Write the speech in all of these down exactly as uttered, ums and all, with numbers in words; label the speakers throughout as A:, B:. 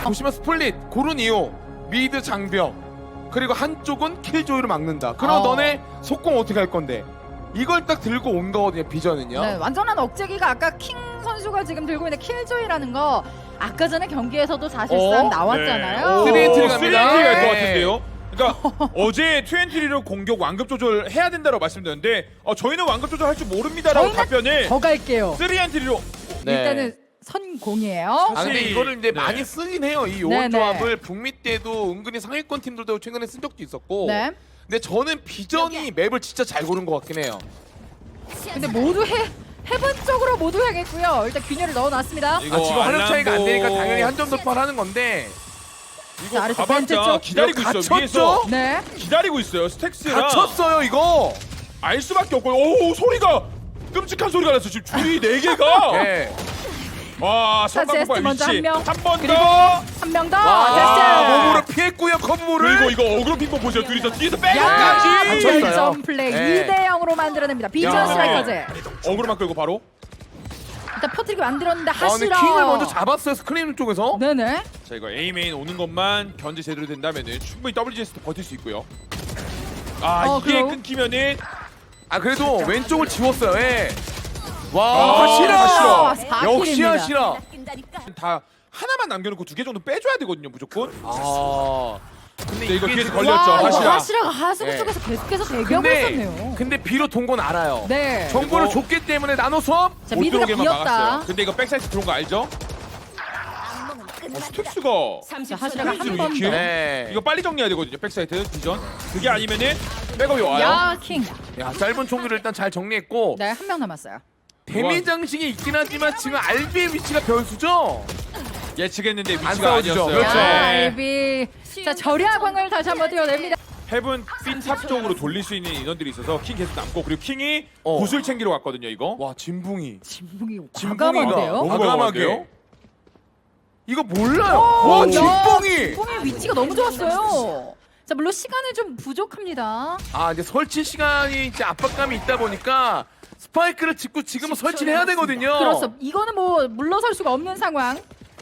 A: 보시면 스플릿 고른 이유 미드 장벽 그리고 한쪽은 킬조이로 막는다. 그럼
B: 어.
A: 너네 속공 어떻게 할 건데? 이걸 딱 들고 온 거거든요. 비전은요.
B: 네, 완전한 억제기가 아까 킹 선수가 지금 들고 있는 킬조이라는 거 아까 전에 경기에서도 사실상
A: 어?
B: 나왔잖아요.
A: 네. 쓰리엔트리 갑니다.
C: 쓰리엔트리 갈것
A: 네.
C: 같은데요. 그러니까 어제 트웬티리로 공격 완급 조절 해야 된다고 말씀드렸는데 어, 저희는 완급 조절 할 줄 모릅니다라고
B: 저희는
C: 답변을
B: 더 갈게요.
C: 쓰리엔트리로
A: 네.
B: 일단은 선공이에요.
A: 아 근데
C: 사실-
A: 이거를 이제
C: 네.
A: 많이 쓰긴 해요. 이
B: 네,
A: 요원
B: 네.
A: 조합을 북미 때도 은근히 상위권 팀들도 최근에 쓴 적도 있었고.
B: 네.
A: 근데 저는 비전이 맵을 진짜 잘 고른 것 같긴 해요.
B: 근데 모두 해 해본 쪽으로 모두 해야겠고요. 일단 균열을 넣어놨습니다.
C: 이거
A: 아, 지금 화력 차이가 안 되니까
C: 알람보-
A: 당연히 한 점 돌파를 하는 건데
C: 이거
B: 자, 아래쪽 벤트
C: 가봤자
B: 쪽.
C: 기다리고
A: 이거
C: 있어요. 위에서
A: 갇혔죠?
B: 네.
C: 기다리고 있어요. 스택스랑
A: 갇혔어요 이거.
C: 알 수밖에 없고 오 소리가 끔찍한 소리가 났어. 지금 줄이 네 개가
A: 네.
C: 와
B: 자,
C: 성광
B: 제스트 먼저 한 명.
C: 한번
B: 그리고
C: 더.
B: 한 명 더.
A: 와,
B: 됐어요.
A: 몸으로 피했고요 컨보를.
C: 그리고 이거 어그로 핑퐁 보세요. 둘이서 뒤에서
B: 야,
C: 백까지
A: 갇혔어요.
B: 결점 플레이
A: 네.
B: 이 대 영으로 만들어냅니다. 비전
A: 야.
B: 스트라이커즈.
C: 어그로만 끌고 바로.
B: 일단 퍼뜨리게 만들었는데
A: 아, 근데
B: 하시라.
A: 킹을 먼저 잡았어요 스크림 쪽에서.
B: 네네.
C: 자 이거 A 메인 오는 것만 견제 제대로 된다면은 충분히 더블유지에스도 버틸 수 있고요. 아
B: 어,
C: 이게
B: 그럼.
C: 끊기면은
A: 아 그래도 왼쪽을 지웠어요. 예. 와
C: 아,
A: 하시라.
B: 하시라. 사
A: 역시
B: 킬입니다.
A: 하시라.
C: 다 하나만 남겨놓고 두 개 정도 빼줘야 되거든요 무조건.
A: 아. 근데
C: 이거 뒤에서
A: 지금-
C: 걸렸죠,
B: 와, 이거
C: 하시라.
B: 하시라가 하수구
A: 네.
B: 쪽에서 계속해서 대기하고
A: 근데
B: 있었네요.
A: 근데 비로 돈 건 알아요.
B: 네.
A: 정보를
C: 그리고-
A: 줬기 때문에 나노 수업.
B: 자,
C: 못
B: 미드가
C: 들어오게만
B: 비었다.
C: 막았어요. 근데 이거 백사이드 들어온 거 알죠? 어, 스택스가
B: 자, 하시라가 한
C: 스택스로
B: 번
C: 이렇게?
B: 더.
A: 네.
C: 이거 빨리 정리해야 되거든요 백사이드 비전. 그게 아니면은 백업이 와요.
B: 야, 킹.
A: 야 짧은 총기를 일단 잘 정리했고
B: 네, 한 명 남았어요.
A: 데미 장식이 있긴 하지만 지금 알비의 위치가 변수죠.
C: 예측했는데
A: 안
C: 위치가
A: 싸워지죠.
C: 아니었어요.
A: 그렇죠.
B: 야,
C: 네.
B: 알비. 자, 절야광을 다시 한번 띄워냅니다.
C: 헤븐 핀탑 쪽으로 돌릴 수 있는 인원들이 있어서 킹 계속 남고 그리고 킹이
A: 어.
C: 구슬 챙기러 갔거든요 이거.
A: 와 진붕이.
B: 진붕이
A: 진붕이가
B: 과감한데요?
C: 너무
A: 과감하게.
C: 과감한데요?
A: 이거 몰라요.
B: 오,
A: 와
B: 야,
A: 진붕이.
B: 진붕의 위치가 너무 좋았어요. 자, 물론 시간은 좀 부족합니다.
A: 아 이제 설치 시간이 이제 압박감이 있다 보니까 스파이크를 짚고 지금은 설치를 해야 되거든요.
B: 그렇죠. 이거는 뭐 물러설 수가 없는 상황.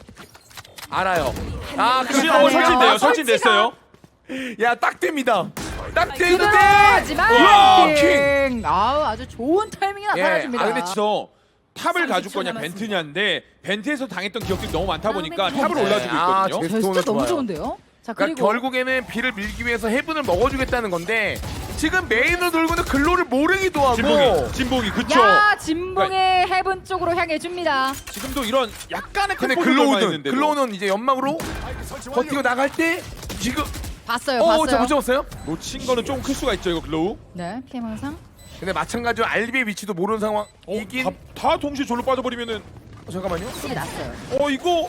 A: 알아요. 아
C: 그치,
A: 그렇죠.
C: 어, 설치돼요.
B: 설치가-
C: 설치됐어요.
A: 야딱 됩니다. 딱 되는데.
B: 하지만
A: 와,
B: 킹. 아우, 아주 좋은 타이밍이 나타나줍니다.
C: 아 근데 저 탑을 가줄 거냐 벤트냐인데 벤트에서 당했던 기억들이 너무 많다 보니까 탑을
A: 네.
C: 올라주고
A: 아,
C: 있거든요.
A: 제-
B: 제스처 너무
A: 좋아요.
B: 좋은데요? 자,
A: 그러니까
B: 그리고
A: 결국에는 비를 밀기 위해서 해븐을 먹어주겠다는 건데 지금 메인으로 돌고는 글로를 모르기도 하고.
C: 진봉이 진봉이 그쵸.
B: 야, 진봉의 해븐 쪽으로 향해 줍니다.
C: 지금도 이런 약간의
A: 근데
C: 컨트롤
A: 글로우는
C: 했는데
A: 글로우는 이제 연막으로 버티고 나갈 때 지금
B: 봤어요,
A: 어,
B: 봤어요.
A: 저 못 잡았어요?
C: 놓친 거는 좀 클 수가 있죠 이거 글로우.
B: 네, 피해 망상.
A: 근데 마찬가지로 알비의 위치도 모르는
C: 어,
A: 상황이긴.
C: 다, 다 동시에 졸로 빠져버리면은
A: 어, 잠깐만요.
B: 킬이 났어요.
C: 어 이거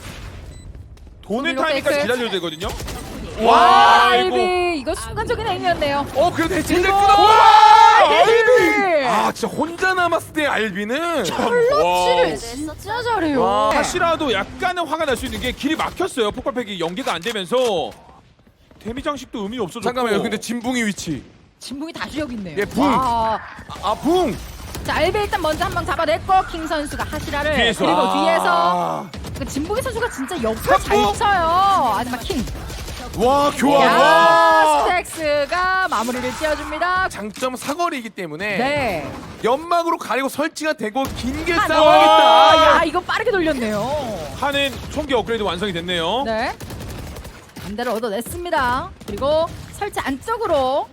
C: 돈의
B: 이거
C: 타이밍까지
B: 페이크.
C: 기다려야 되거든요.
B: 와,
C: 아이고.
B: 알비. 이거 순간적인 행위였네요.
A: 어 그래도 해체됐구나.
B: 이거-
A: 와!
B: 알비.
A: 아 진짜 혼자 남았을 때 알비는
B: 클러치를 진짜 잘해요.
A: 와.
C: 하시라도 약간은 화가 날 수 있는 게 길이 막혔어요. 폭발팩이 연계가 안 되면서 데미 장식도 의미 없어졌고.
A: 잠깐만요. 근데 진붕이 위치.
B: 진붕이 다시 여기 있네요.
A: 예, 붕.
B: 와.
A: 아 붕.
B: 자, 알비 일단 먼저 한 방 잡아냈고 킹 선수가 하시라를
C: 뒤에서.
B: 그리고
A: 아.
B: 뒤에서 그 진붕이 선수가 진짜 역할 잘
A: 탁구.
B: 쳐요. 하지만 킹.
A: 와 교환.
B: 야,
A: 와.
B: 스택스가 마무리를 지어줍니다.
A: 장점 사거리이기 때문에
B: 네.
A: 연막으로 가리고 설치가 되고 긴게
B: 아,
A: 싸워야겠다.
B: 야, 이거 빠르게 돌렸네요.
C: 하는 총기 업그레이드 완성이 됐네요.
B: 네. 반대를 얻어냈습니다. 그리고 설치 안쪽으로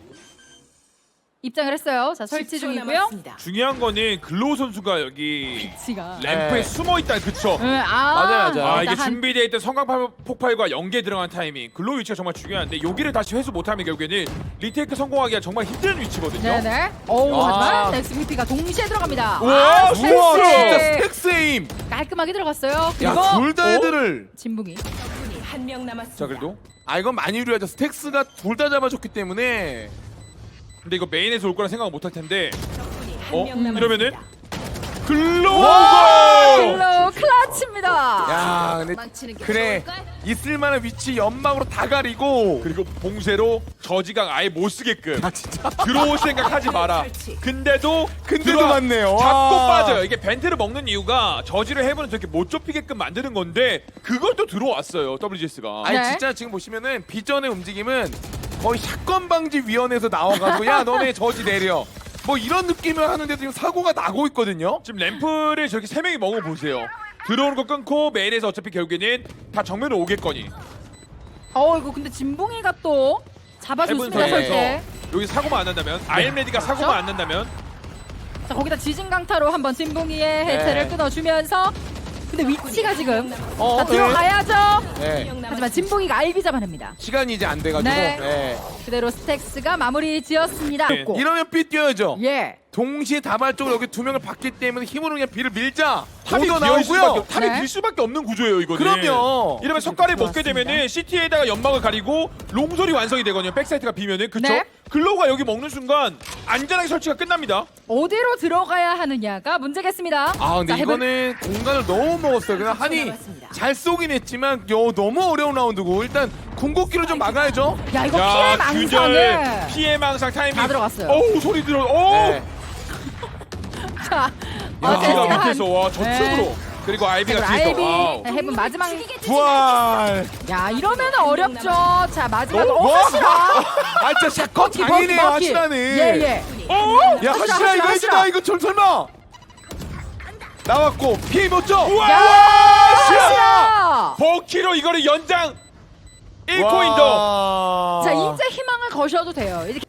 B: 입장을 했어요. 자, 설치 중이고요.
C: 중요한 거는 글로우 선수가 여기
B: 지가.
C: 램프에
A: 네.
C: 숨어 있다. 그쵸?
B: 네, 아,
A: 맞아요, 맞아요.
C: 아 이게
B: 일단 한-
C: 준비되어 있던 성광 폭발과 연계 들어간 타이밍 글로우 위치가 정말 중요한데 여기를 다시 회수 못하면 결국에는 리테이크 성공하기가 정말 힘든 위치거든요.
B: 네네. 오,
A: 아.
B: 하지만 엑스비피가 동시에 들어갑니다.
C: 우와,
B: 아,
C: 스택스!
A: 우와
B: 스택스!
A: 진짜 스택스 에임.
B: 깔끔하게 들어갔어요. 그리고
A: 야 둘 다
C: 어?
A: 애들을.
B: 진붕이.
D: 한 명 남았습니다.
C: 자 그래도
A: 아 이건 많이 유리하죠. 스택스가 둘 다 잡아줬기 때문에.
C: 근데 이거 메인에서 올 거라 생각 못 할 텐데 어?
D: 명 남았습니다.
C: 이러면은 글로우가
B: 글로우 클러치입니다.
A: 야, 근데
D: 망치는 게
A: 그래
D: 좋을걸?
A: 있을만한 위치 연막으로 다 가리고.
C: 그리고 봉쇄로 저지강 아예 못 쓰게끔
A: 아 진짜.
C: 들어올 생각하지 마라. 근데도
A: 근데도
C: 들어와-
A: 맞네요.
C: 잡고
A: 와.
C: 빠져요. 이게 벤트를 먹는 이유가 저지를 해보는 저렇게 못 좁히게끔 만드는 건데 그걸 또 들어왔어요. 더블유지에스가.
A: 아니
B: 네.
A: 진짜 지금 보시면은 비전의 움직임은 거의 사건 방지 위원회에서 나와가지고 야 너네 저지 내려. 뭐 이런 느낌을 하는데 지금 사고가 나고 있거든요.
C: 지금 램프를 저렇게 세 명이 먹어 보세요. 들어오는 거 끊고 메인에서 어차피 결국에는 다 정면으로 오겠거니.
B: 어 이거 근데 진봉이가 또 잡아줬습니다.
A: 해본
B: 설때.
C: 해븐에서 여기 사고만 안 난다면 아이엠레디가
B: 그렇죠?
C: 사고만 안 난다면
B: 자 거기다 지진 강타로 한번 진봉이의 해체를
A: 네.
B: 끊어주면서 근데 위치가 지금
A: 어,
B: 자,
A: 네.
B: 들어가야죠.
A: 네.
B: 하지만 진봉이가 알비 잡아냅니다.
A: 시간이 이제 안 돼가지고.
B: 네.
A: 네.
B: 그대로 스택스가 마무리 지었습니다.
C: 네.
B: 고.
A: 이러면 B 뛰어야죠.
B: 예.
A: 동시에 다발적으로 여기 두 명을 봤기 때문에 힘으로 그냥 B를 밀자.
C: 탑이
A: 오더
C: 비어 있을 수밖에
A: 나오고요.
C: 없- 탑이
B: 네.
C: 빌 수밖에 없는 구조예요 이거는.
A: 그럼요.
C: 이러면 석가를 먹게
B: 좋았습니다.
C: 되면은 시티에다가 연막을 가리고 롱솔이 완성이 되거든요. 백사이트가 비면은 그쵸?
B: 네.
C: 글로우가 여기 먹는 순간 안전하게 설치가 끝납니다.
B: 어디로 들어가야 하느냐가 문제겠습니다.
A: 아 근데
B: 자, 해볼-
A: 이거는 공간을 너무 먹었어요. 그냥 한이
D: 남았습니다.
A: 잘 쏘긴 했지만 요 너무 어려운 라운드고 일단 궁극기로 좀 막아야죠.
B: 야 이거 피해 망상을
C: 균열 피해 망상 타이밍
B: 다 들어갔어요.
C: 어우 소리 들어. 어우
A: 네.
B: 자, 어,
C: 아이비가
B: 제스가 한-
C: 밑에서 와 저쪽으로 그리고 아이비가
B: 그리고
C: 뒤에서
B: 아이비
C: 와우.
B: 네, 해본 마지막
A: 부활.
B: 야 이러면 어렵죠. 자 마지막
A: 어?
B: 어,
A: 와.
B: 하시라.
A: 아 진짜 샷건 장이네요 하시라는.
B: 예예.
C: 어?
A: 야
B: 하시라,
A: 하시라 이거
B: 하시라,
A: 해주다
B: 하시라.
A: 이거 절 설마. 나왔고 피해 못 줘.
C: 우와!
A: 하시라.
B: 하시라.
C: 버키로 이거를 연장 일 코인 더.
A: 와.
B: 자 이제 희망을 거셔도 돼요. 이제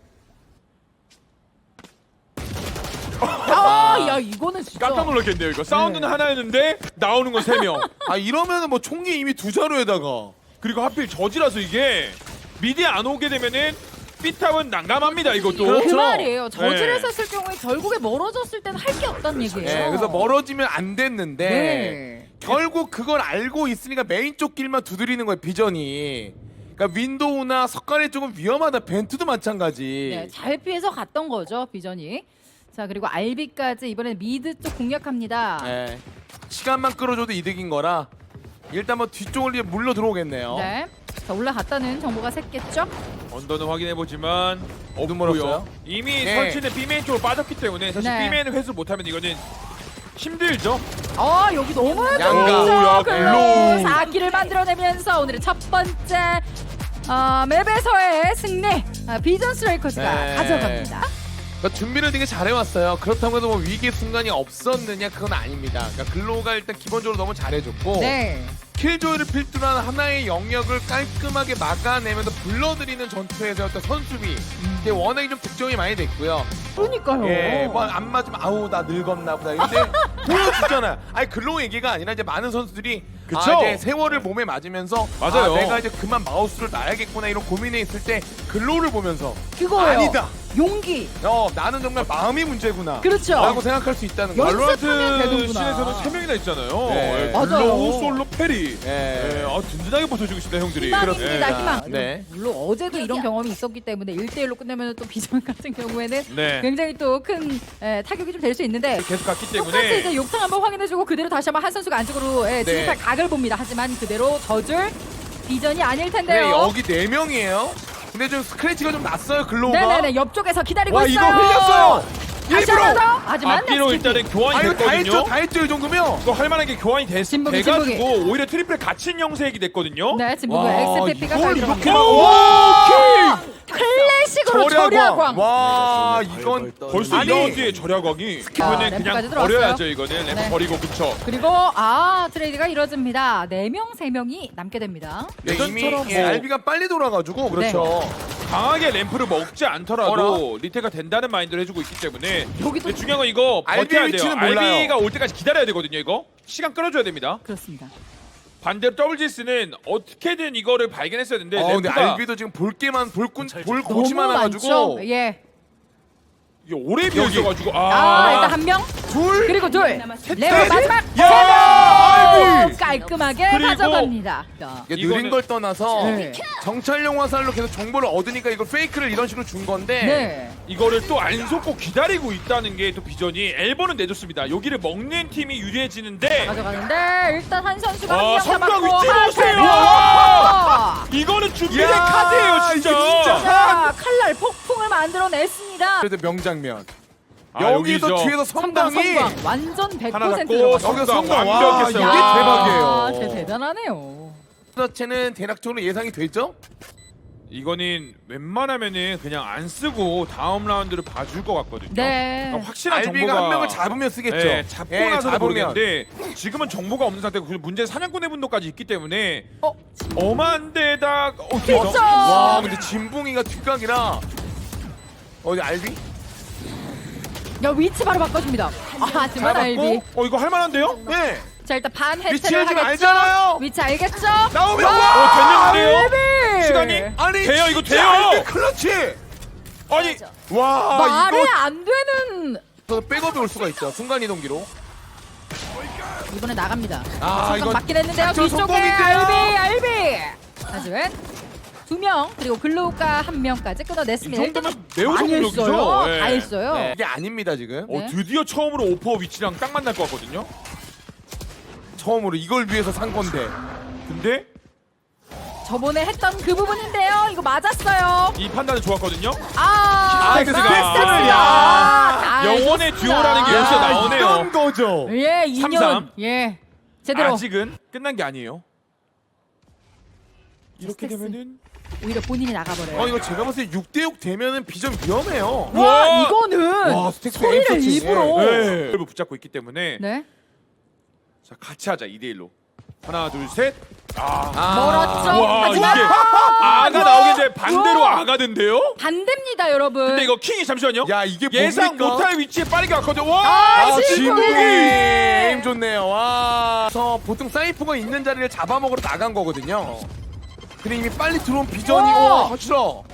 B: 아, 야 이거는 진짜.
C: 깜짝 놀랐겠네요 이거. 사운드는
B: 네.
C: 하나였는데 나오는 건 세 명.
A: 아 이러면은 뭐 총기 이미 두 자루에다가.
C: 그리고 하필 저지라서 이게 미디에 안 오게 되면은 삐탑은 난감합니다 이것도.
B: 그
A: 그렇죠.
B: 말이에요. 저지를
C: 네.
B: 썼을 경우에 결국에 멀어졌을 때는 할 게 없다는 얘기예요.
A: 네, 그래서 멀어지면 안 됐는데
B: 네.
A: 결국 그걸 알고 있으니까 메인 쪽 길만 두드리는 거예요 비전이. 그러니까 윈도우나 석가래 쪽은 위험하다. 벤트도 마찬가지.
B: 네, 잘 피해서 갔던 거죠 비전이. 자 그리고 알비까지 이번엔 미드 쪽 공략합니다.
A: 네. 시간만 끌어줘도 이득인 거라 일단 뭐 뒤쪽을 이제 물러 들어오겠네요.
B: 네. 자 올라갔다는 정보가 샜겠죠?
C: 언더는 확인해 보지만
A: 눈
C: 없고요.
A: 멀었어요?
C: 이미
A: 네.
C: 설치는 B메인 쪽으로 빠졌기 때문에 사실
B: 네.
C: B메인을 회수 못하면 이거는 힘들죠.
B: 아 여기 너무
A: 양가.
C: 오, 야,
B: 글로
C: 글로.
B: 사 기를 만들어내면서 오늘의 첫 번째 어, 맵에서의 승리 아, 비전 스트라이커즈가
A: 네.
B: 가져갑니다.
A: 그러니까 준비를 되게 잘해왔어요. 그렇다고 해도 뭐 위기의 순간이 없었느냐 그건 아닙니다. 그러니까 글로우가 일단 기본적으로 너무 잘해줬고
B: 네.
A: 킬조이를 필두로 한 하나의 영역을 깔끔하게 막아내면서 불러들이는 전투에서 어떤 선수비 이게 워낙에 좀 득점이 많이 됐고요.
B: 그러니까요.
A: 예, 뭐 안 맞으면 아우 나 늙었나 보다. 근데 보여주잖아요. 아니 글로우 얘기가 아니라 이제 많은 선수들이
C: 그쵸?
A: 아, 이제 세월을 몸에 맞으면서
C: 맞아요.
A: 아, 내가 이제 그만 마우스를 놔야겠구나 이런 고민에 있을 때 글로우를 보면서
B: 그거예요.
A: 아니다.
B: 용기.
A: 어 나는 정말 마음이 문제구나.
B: 그렇죠.
A: 라고 생각할 수 있다는 거.
B: 연습-
C: 발로란트
B: 연습하면 되는구나.
C: 씬에서는 세 명이나 있잖아요.
A: 네.
C: 예,
B: 맞아요.
C: 글로우, 솔로, 페리.
A: 예.
C: 예, 아, 든든하게 버텨주고 싶다 형들이.
B: 희망입니다.
A: 그렇습니다.
B: 희망.
A: 네.
B: 물론 어제도 이런 경험이 있었기 때문에 일 대일로 끝내면 또 비전 같은 경우에는
C: 네.
B: 굉장히 또 큰 타격이 좀 될 수 있는데
C: 계속 갔기
B: 똑같이
C: 때문에
B: 이제 욕탕 한번 확인해주고 그대로 다시 한번 한 선수가 안쪽으로 예,
A: 네.
B: 진입할 각을 봅니다. 하지만 그대로 져줄 비전이 아닐
A: 네,
B: 텐데요.
A: 여기 네 명이에요. 근데 좀 스크래치가 좀 났어요 글로우가.
B: 네네네 옆쪽에서 기다리고
A: 와
B: 있어요.
A: 이거 흘렸어요.
B: 다시
A: 일부러.
B: 한번 더. 하지만
C: 앞뒤로
B: 넥스트
C: 일단은 교환이
A: 아 이거 다 했죠,
C: 됐거든요.
A: 다 했죠 이 정도면.
C: 이거 할 만한 게 교환이 됐,
B: 진북이,
C: 돼가지고 오히려 트리플 갇힌 형색이 됐거든요.
B: 네 지금
A: 와,
B: 엑스피피가 잘
A: 이걸 이렇게
B: 들어갑니다.
A: 막-
C: 오,
A: 와,
B: 클래식으로 절야광.
A: 와 이건
C: 벌써
A: 아니,
C: 이 라운드에 절약왕이 이거는
B: 램프까지
C: 그냥
B: 들어왔어요.
C: 버려야죠. 이거는 램프
B: 네.
C: 버리고 그쵸.
B: 그리고 아 트레이드가 이루어집니다. 네 명 세 명이 남게 됩니다.
A: 네, 이미
C: 예전처럼
A: 예,
C: 뭐-
A: 알비가 빨리 돌아가지고 그렇죠.
C: 강하게 램프를 먹지 않더라도
A: 어라?
C: 리테가 된다는 마인드를 해주고 있기 때문에
B: 여기도
C: 근데 중요한 건 이거
A: 알비의
C: 버텨야 돼요.
A: 위치는 몰라요.
C: 알비가 올 때까지 기다려야 되거든요. 이거 시간 끌어줘야 됩니다.
B: 그렇습니다.
C: 반대로 더블지스는 어떻게든 이거를 발견했어야 되는데
A: 어, 근데
C: 램프가
A: 알비도 지금 볼 게만 볼꾼 볼
B: 너무
A: 곳이 많아가지고
B: 많죠. 예.
C: 이게 오래 비어
A: 여기.
C: 있어가지고
B: 아,
C: 아,
B: 일단 한 명
A: 둘.
B: 그리고 둘.
D: 남았습니다.
B: 레오 마지막.
A: 야! 아이비!
B: 깔끔하게
C: 그리고-
B: 가져갑니다.
A: 이게
C: 이거는-
A: 느린 걸 떠나서
B: 네.
A: 정찰용 화살로 계속 정보를 얻으니까 이걸 페이크를 이런 식으로 준 건데
B: 네.
C: 이거를 또 안 속고 기다리고 있다는 게 또 비전이 엘보는 내줬습니다. 여기를 먹는 팀이 유리해지는데
B: 가져가는데 일단 한 선수가
C: 아,
B: 한 명
C: 성광
B: 잡았고
C: 위치
B: 한
C: 보세요!
B: 명.
C: 이거는 준비된
A: 야,
C: 카드예요 진짜.
A: 이게 진짜.
B: 자, 칼날 폭풍을 만들어냈습니다.
A: 그래도 명장면.
C: 아,
A: 여기서
C: 여기죠.
A: 뒤에서
B: 성광
A: 성광이
B: 성광 완전 백
C: 하나
B: 퍼센트
C: 잡고
B: 들어갔어요.
A: 여기서
C: 성광
A: 성광 와
C: 완벽했어요.
A: 이게
B: 야,
A: 대박이에요.
B: 진짜 대단하네요.
A: 자체는 대략적으로 예상이 되죠?
C: 이거는 웬만하면은 그냥 안 쓰고 다음 라운드를 봐줄 것 같거든요.
B: 네.
C: 그러니까 확실한
A: 알비가
C: 정보가
A: 한 명을 잡으면 쓰겠죠.
C: 네, 잡고
A: 예,
C: 나서
A: 잡으면.
C: 모르겠는데 지금은 정보가 없는 상태고 그리고 문제 사냥꾼의 분도까지 있기 때문에
B: 어,
C: 엄한 데다 어,
B: 진짜.
A: 와 근데 진붕이가 뒷각이라 어디 알비?
B: 야 위치 바로 바꿔줍니다. 아, 하지만 알비.
C: 어 이거 할만한데요?
A: 네.
B: 자 일단 반
A: 위치를
B: 해체를
A: 지금
B: 하겠죠.
A: 알잖아요.
B: 위치 알겠죠?
A: 나오면
C: 어
A: 와!
C: 됐는데요?
B: 알비.
C: 시간이
A: 아니
C: 돼요, 이거
A: 진짜
C: 돼요!
A: 알비 클러치!
C: 아니
A: 와
B: 말이
A: 이거
B: 안 되는.
A: 저 백업이 올 수가 있죠. 순간 이동기로.
B: 이번에 나갑니다.
A: 아,
B: 잠깐
A: 이거
B: 맞긴 했는데요.
A: 작전
B: 뒤쪽에
A: 성공인데요?
B: 알비, 알비. 하지만 두 명 그리고 글로우가 한 명까지
C: 이
B: 끊어냈습니다.
C: 정도면 매우
B: 많이
C: 성공적이죠.
B: 했어요.
C: 예.
B: 다 했어요.
A: 네. 이게 아닙니다 지금.
C: 어
B: 네.
C: 드디어 처음으로 오퍼 위치랑 딱 만날 것 같거든요.
A: 처음으로 이걸 위해서 산 건데.
C: 근데
B: 저번에 했던 그 부분인데요. 이거 맞았어요.
C: 이 판단은 좋았거든요.
B: 아,
C: 스택스가.
B: 스택스가.
C: 야.
B: 다
C: 영혼의
B: 해줬습니다.
C: 듀오라는 게 여기서 나오네요.
A: 이런 거죠.
B: 예, 이 년.
C: 삼삼.
B: 예. 제대로
C: 아직은 끝난 게 아니에요. 이렇게
B: 스택스.
C: 되면은
B: 오히려 본인이 나가버려요.
A: 어 이거 제가 봤을 때 육 대 육 되면은 비전 위험해요.
B: 와,
C: 와.
B: 이거는
A: 와, 스택스
B: 소리를
A: 에임 서치.
B: 일부러.
C: 네. 를 붙잡고 있기 때문에
B: 네.
C: 자 같이 하자 이 대 일로. 하나 둘 셋. 아.
A: 아.
B: 멀었죠.
C: 와
B: 하지만
C: 이게 아가 나오겠는데 반대로
B: 우와.
C: 아가던데요?
B: 반대입니다, 여러분.
C: 근데 이거 킹이 잠시만요.
A: 야 이게
C: 예상
A: 뭡니까?
C: 못할 위치에 빠르게 왔거든요. 와.
B: 아,
A: 아,
B: 진국이.
A: 진국이 에임 좋네요. 와. 그래서 보통 사이프가 있는 자리를 잡아먹으러 나간 거거든요. 근데 이미 빨리 들어온 비전이
B: 와.
A: 와 확실하.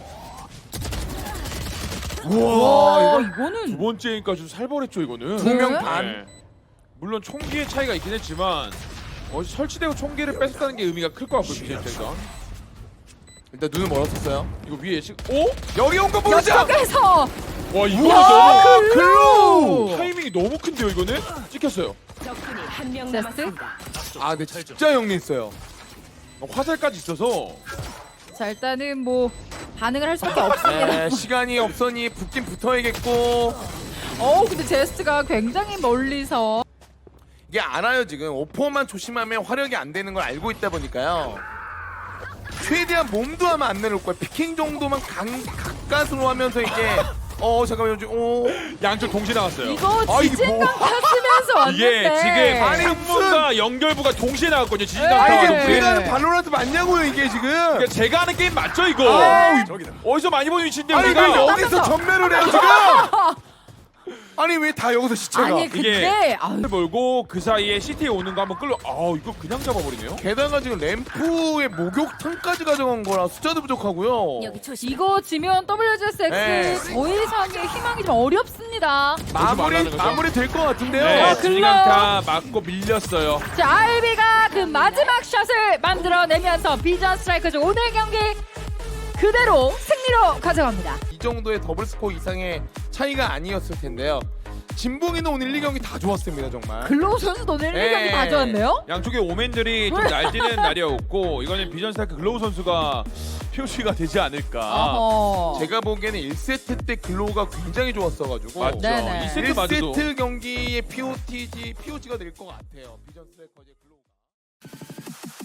A: 우와
B: 와,
A: 이거
C: 두
B: 이거는
C: 번째니까 좀 살벌했죠 이거는.
B: 네.
A: 두 명 반.
C: 네. 물론 총기의 차이가 있긴 했지만 어, 설치되고 총기를 뺏었다는 게 의미가 클 것 같고요 비전체가.
A: 일단 눈을 멀었었어요.
C: 이거 위에 시... 오?
A: 여기 온 거 보자.
B: 옆쪽에서
C: 와 이거
A: 우와,
C: 너무
A: 글로우.
C: 타이밍이 너무 큰데요 이거는? 찍혔어요.
D: 적군이 한 명
B: 제스트?
D: 남았습니다.
A: 아 근데 진짜 영리했어요.
C: 어, 화살까지 있어서
B: 자 일단은 뭐 반응을 할 수밖에 없습니다.
A: 네, 시간이 없으니 붙긴 붙어야겠고
B: 어우 근데 제스트가 굉장히 멀리서
A: 이게 알아요 지금 오퍼만 조심하면 화력이 안 되는 걸 알고 있다 보니까요. 최대한 몸도 하면 안 내놓을 거야. 피킹 정도만 강, 가까스로 하면서 이게 어 잠깐만요 지금 어
C: 양쪽 동시에 나왔어요.
B: 이거
A: 아, 이게
B: 지진강
A: 뭐-
B: 탔으면서 왔는데
C: 이게 지금
A: 아니,
C: 항문과 연결부가 동시에 나왔거든요. 지진강
B: 네.
A: 아 이게
C: 타워가.
A: 우리가 하는
B: 네.
A: 발로란트 맞냐고요 이게 지금.
C: 그러니까 제가 하는 게임 맞죠 이거?
A: 아우,
C: 어디서 많이 보는 위치인데
A: 아니
C: 우리가?
A: 왜 여기서
B: 땄어.
A: 전멸을 해요 지금? 아니 왜 다 여기서 시체가?
B: 아니 근데
C: 이게
B: 아유,
C: 몰고 그 사이에 시티에 오는 거 한번 끌려. 아 이거 그냥 잡아버리네요.
A: 게다가 지금 램프의 목욕탕까지 가져간 거라 숫자도 부족하고요.
D: 여기 조심.
B: 이거 지면 더블유지에스엑스
A: 네.
B: 더 이상의 희망이 좀 어렵습니다.
A: 마무리
C: 말하는 거죠?
A: 마무리 될 것 같은데요.
C: 네,
B: 아,
C: 지진강타 맞고 밀렸어요.
B: 자 알비가 그 마지막 샷을 만들어내면서 비전 스트라이커즈 오늘 경기 그대로 승리로 가져갑니다.
A: 이 정도의 더블 스코어 이상의 차이가 아니었을 텐데요. 진봉이는 오늘 일 경기 다 좋았습니다 정말.
B: 글로우 선수도 오늘 일 경기
A: 네.
B: 다 좋았네요.
C: 양쪽의 오맨들이 좀 날뛰는 날이었고 이거는 비전 스타크 글로우 선수가 표시가 되지 않을까.
B: 어허.
A: 제가 보기에는 일 세트 때 글로우가 굉장히 좋았어가지고
C: 맞죠.
B: 네네.
C: 이 세트
A: 일
C: 맞아도
A: 세트 경기의 피오티지, 피오지가 될 것 같아요. 비전 스트라이커즈의 글로우가.